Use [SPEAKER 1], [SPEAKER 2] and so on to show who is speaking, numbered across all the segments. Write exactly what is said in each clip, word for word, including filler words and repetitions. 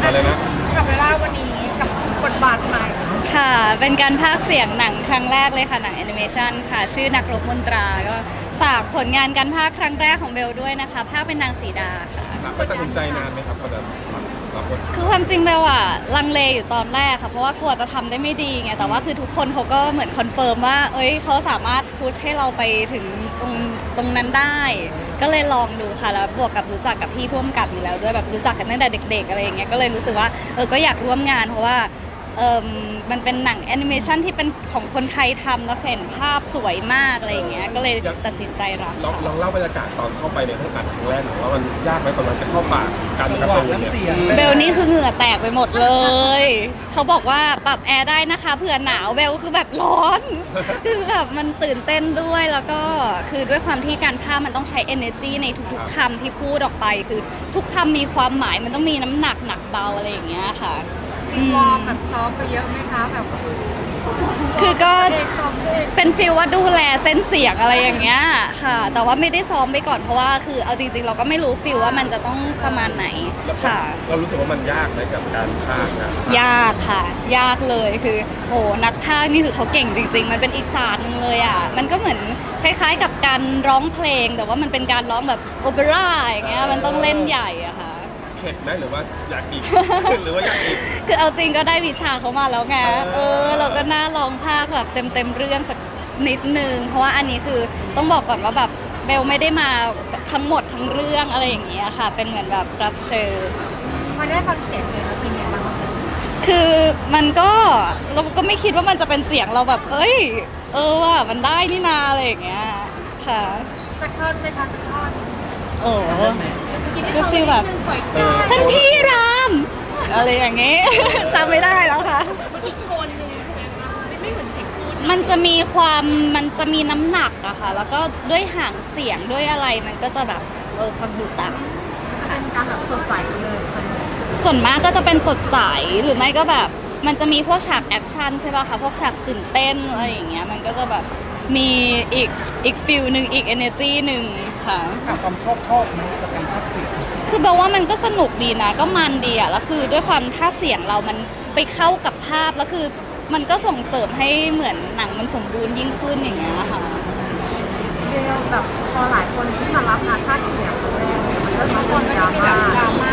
[SPEAKER 1] เลยนะ
[SPEAKER 2] กับเวลาวันนี้กับบทบาทใหม่
[SPEAKER 3] ค่ะเป็นการพากย์เสียงหนังครั้งแรกเลยค่ะหนังแอนิเมชันค่ะชื่อนักรบมนตราก็ฝากผลงานการพากย์ครั้งแรกของเบลด้วยนะคะพากย์เป็นนางสีดาค่ะ
[SPEAKER 1] ก็ตัดสินใจนานไหมครับกว่าจะรับบท
[SPEAKER 3] คือความจริงเบลอะลังเลอยู่ตอนแรกค่ะเพราะว่ากลัวจะทำได้ไม่ดีไงแต่ว่าคือทุกคนเขาก็เหมือนคอนเฟิร์มว่าเอ้ยเขาสามารถพุชให้เราไปถึงตรงตรงนั้นได้ ก็เลยลองดูค่ะแล้วบวกกับรู้จักกับพี่พ่วงกับอยู่แล้วด้วยแบบรู้จักกันตั้งแต่เด็กๆอะไรอย่างเงี้ยก็เลยรู้สึกว่าเออก็อยากร่วมงานเพราะว่าเออมันเป็นหนังแอนิเมชันที่เป็นของคนไทยทำแล้วเห็นภาพสวยมากอะไรอย่างเงี้ยก็เลยตัดสินใจรับ
[SPEAKER 1] ลองลองเล่าบรรยากาศตอนเข้าไปในห้องอัดครั้งแรกหน่อยว่ามันยากไหมตอนนั้นจะเข้าปากการกระตุ้นเนี่ย
[SPEAKER 3] เบลนี่คือเหงื่อแตกไปหมดเลยเขาบอกว่าปรับแอร์ได้นะคะเผื่อหนาวเบลคือแบบร้อน คือแบบมันตื่นเต้นด้วยแล้วก็คือด้วยความที่การภาพมันต้องใช้ energy ในทุกๆคำที่พูดออกไปคือทุกคำมีความหมายมันต้องมีน้ำหนักหนักเบาอะไรอย่างเงี้ยค่ะ
[SPEAKER 2] มีวอร์มแบบซ้อมไปเยอะไหมคะแบบ
[SPEAKER 3] คือก็เป็นฟีลว่าดูแลเส้นเสียงอะไรอย่างเงี้ยค่ะแต่ว่าไม่ได้ซ้อมไปก่อนเพราะว่าคือเอาจริงๆเราก็ไม่รู้ฟีลว่ามันจะต้องประมาณไหนค่ะ
[SPEAKER 1] เรารู้สึกว่ามันยากไหมกับการพากย์นะ
[SPEAKER 3] ยากค่ะยากเลยคือโหนักพากย์นี่คือเขาเก่งจริงๆมันเป็นอีกศาสตร์หนึ่งเลยอ่ะมันก็เหมือนคล้ายๆกับการร้องเพลงแต่ว่ามันเป็นการร้องแบบโอเปร่าอย่างเงี้ยมันต้องเล่นใหญ่อะค่ะ
[SPEAKER 1] เข็ดไหมหรือว่าอยากอีกหรือว่าอยากอีก
[SPEAKER 3] คือเอาจริงก็ได้วิชาเขามาแล้วไงเออเราก็น่าลองภาคแบบเต็มเต็มเรื่องสักนิดนึงเพราะว่าอันนี้คือต้องบอกก่อนว่าแบบเบลไม่ได้มาทั้งหมดทั้งเรื่องอะไรอย่างเงี้ยค่ะเป็นเหมือนแบบรับเชิญ
[SPEAKER 2] พอได้ฟังเสียงเลยเป็นยังไงบ้าง
[SPEAKER 3] คือมันก็เราก็ไม่คิดว่ามันจะเป็นเสียงเราแบบเอ้ยเออว่ามันได้นี่นาอะไรอย่างเงี้ยค่ะ
[SPEAKER 2] สักท่อนไหมคะสักท่อน
[SPEAKER 3] โอ้ก็ฟีลแบบท่านพี่รามอะไรอย่างเงี้ยจำไม่ได้แล้วค่ะ
[SPEAKER 2] อีกคนนึงใช่ไหมคะไม่เหมือนเสียงพูด
[SPEAKER 3] มันจะมีความมันจะมีน้ำหนักอะค่ะแล้วก็ด้วยหางเสียงด้วยอะไรมันก็จะแบบเออฟังดูต่าง
[SPEAKER 2] เป็นการแบบสดใสเลย
[SPEAKER 3] ส่วนมากก็จะเป็นสดใสหรือไม่ก็แบบมันจะมีพวกฉากแอคชั่นใช่ป่ะคะพวกฉากตื่นเต้นอะไรอย่างเงี้ยมันก็จะแบบมีอีกอีกฟิลหนึ่งอีก energy หนึ่งค่ะ
[SPEAKER 1] ความชอบชอบนะกับการพากย์เสียง
[SPEAKER 3] คือแปลว่ามันก็สนุกดีนะก็มันดีอะแล้วคือด้วยความท่าเสียงเรามันไปเข้ากับภาพแล้วคือมันก็ส่งเสริมให้เหมือนหนังมันสมบูรณ์ยิ่งขึ้นอย่างเงี้ยค่ะ
[SPEAKER 2] เดียวแบบพอหลายคนที่มารับงานภาคเสียงมันก็ต้องคนดราม่าดราม่า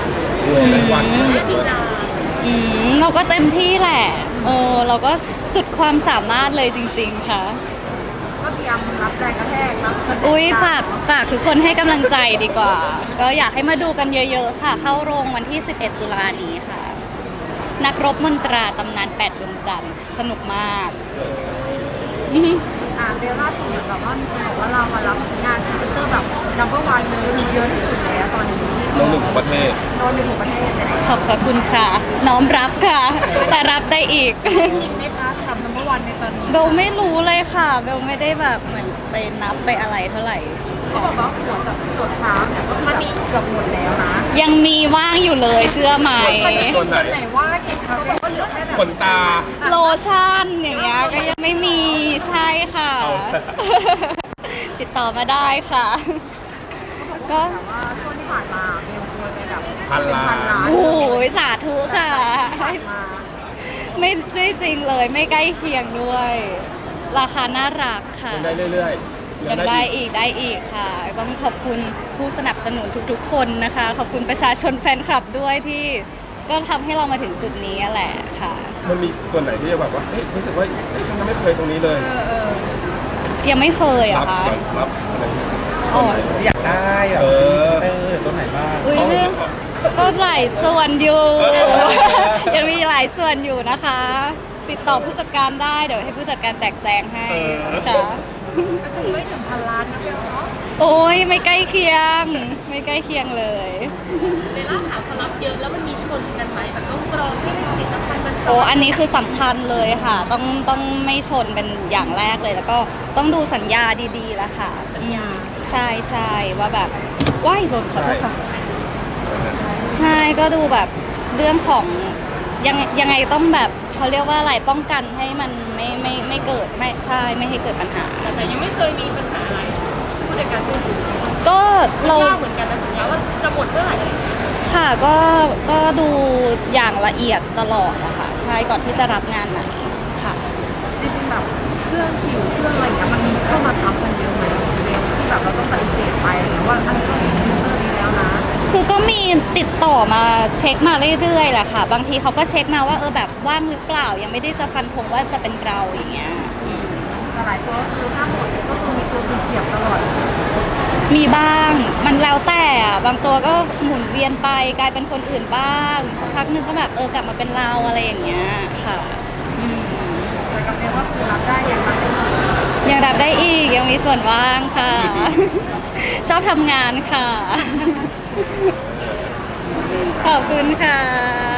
[SPEAKER 3] อืมเราก็เต็มที่แหละเออเราก็สุดความสามารถเลยจริงๆค่ะ
[SPEAKER 2] ก็เตรียมรับแรงกระแทกรับ
[SPEAKER 3] อุ้ยฝากฝากทุกคนให้กำลังใจดีกว่าก็อยากให้มาดูกันเยอะๆค่ะเข้าโรงวันที่สิบเอ็ดตุลานี้ค่ะนักรบมนตราตำนานแปดดวงจันทร์สนุกมาก
[SPEAKER 2] อ่าเบลล่าสุดแบบว่ามีคนบอกว่าเรามารับงานพรีเซนเตอร์แบบ นัมเบอร์ วันเลยเยอะที่สุดแล้วตอนนี้
[SPEAKER 1] โน้ตหนึ่งของประเทศ
[SPEAKER 2] โน้ตหนึ่งของประเทศ
[SPEAKER 3] ขอบคุณค่ะน้อมรับค่ะแต่รับได้อีก
[SPEAKER 2] จริงไหมคะทำ นัมเบอร์ วันในตอนนี้
[SPEAKER 3] เบลไม่รู้เลยค่ะเบลไม่ได้แบบเหมือนไปนับไปอะไรเท่าไหร่
[SPEAKER 2] เขาบอกว่าหัวกับจดเท้าเนี่ยก็มันมีเกือบหมดแล้วนะ
[SPEAKER 3] ยังมีว่างอยู่เลยเชื่อไหม
[SPEAKER 2] ส่วนไหนว่างเห็นเขาบอกว่าเหลือแค่แบบ
[SPEAKER 1] ขนตา
[SPEAKER 3] โลชั่นอย่างเงี้ยก็ยังไม่มีใช่ค่ะติดต่อมาได้ค่ะ
[SPEAKER 2] ก็แต่ว่าช่วงที่ผ่านมาเบลเคยไปแบบ
[SPEAKER 1] พันล้าน
[SPEAKER 3] โอ้ยสาธุค่ะไม่ไม่จริงเลยไม่ใกล้เคียงด้วย ราคาน่ารักค่ะ
[SPEAKER 1] ยังได้เรื่อย
[SPEAKER 3] ๆยังได้อีกได้อีกค่ะต้องขอบคุณผู้สนับสนุนทุกๆคนนะคะขอบคุณประชาชนแฟนคลับด้วยที่ก็ทำให้เรามาถึงจุดนี้แหละค่ะ
[SPEAKER 1] มันมีส่วนไหนที่จะแบบว่าเฮ้ยรู้สึกว่าเฮ้ยฉันยังไม่เคยตรงนี้เลย
[SPEAKER 3] ยังไม่เคยอะค่ะ
[SPEAKER 1] รับอะไร
[SPEAKER 4] อยากได้แบบเออตัวไหนบ้าง
[SPEAKER 3] อุ้ยเนี่ยก็หลายส่วนอยู่ยังมีหลายส่วนอยู่นะคะ ติดต่อผู้จัดการได้เดี๋ยวให้ผู้จัดการแจกแจงให้ค่ะ
[SPEAKER 2] ก็คือไม่ถึงพันล้านนะเบลเนาะ
[SPEAKER 3] โอ้ยไม่ใกล้เคียงไม่ใกล้เคียงเลย
[SPEAKER 2] เวลาถามเขารับเยอะแล้วมันมีชนกันไหมแบบต้องกรองให้ผลิตภัณฑ์มัน
[SPEAKER 3] โอ้อันนี้คือสำคัญเลยค่ะต้องต้องไม่ชนเป็นอย่างแรกเลยแล้วก็ต้องดูสัญญาดีๆแล้วค่ะ
[SPEAKER 2] สัญญา
[SPEAKER 3] ใช่ใช่ว่าแบบว่ายรถขอโทษค่ะใช่ก็ดูแบบเรื่องของยังยังไงต้องแบบเขาเรียกว่าอะไรป้องกันให้มันไม่ไม่ไม่เกิดไม่ใช่ไม่ให้เกิดปัญหา
[SPEAKER 2] แต่ยังไม่เคยมีปัญหาอะไรผู้จัดการพูด
[SPEAKER 3] ก็เรา
[SPEAKER 2] เหมือนกันนะสัญญาว่าจะหมดเมื่อไหร่
[SPEAKER 3] ค่ะก็ก็ดูอย่างละเอียดตลอดอะค่ะใช่ก่อนที่จะรับงานไหนค่ะ
[SPEAKER 2] จริงๆแบบเครื่องผิวเครื่องอะไรอย่างเงี้ยมันมีเข้ามาซ้ำกันเยอะไหมเบลที่แบบเราต้องปฏิเสธไปหรือว่าอันนี้ต้องมีเครื่องนี้แล้วนะ
[SPEAKER 3] คือก็มีติดต่อมาเช็คมาเรื่อยๆแหละค่ะ บางทีเขาก็เช็คมาว่าเออแบบว่างหรือเปล่ายังไม่ได้จะฟันธงว่าจะเป็นเราอย่างเงี้ยอืม
[SPEAKER 2] แต่หลายตัวก็คือถ้าหมดก็คือมีตัวคือเสียบตลอด
[SPEAKER 3] มีบ้างมันแล้วแต่อะบางตัวก็หมุนเวียนไปกลายเป็นคนอื่นบ้างสักพักหนึงก็แบบเออกลับมาเป็นเราอะไรอย่างเงี้ยค่ะอืม
[SPEAKER 2] แต่กับเบลก็คือรับได้อย่างรับได้หมด
[SPEAKER 3] ยังรับได้อีกยังมีส่วนว่างค่ะ ชอบทำงานค่ะ ขอบคุณค่ะ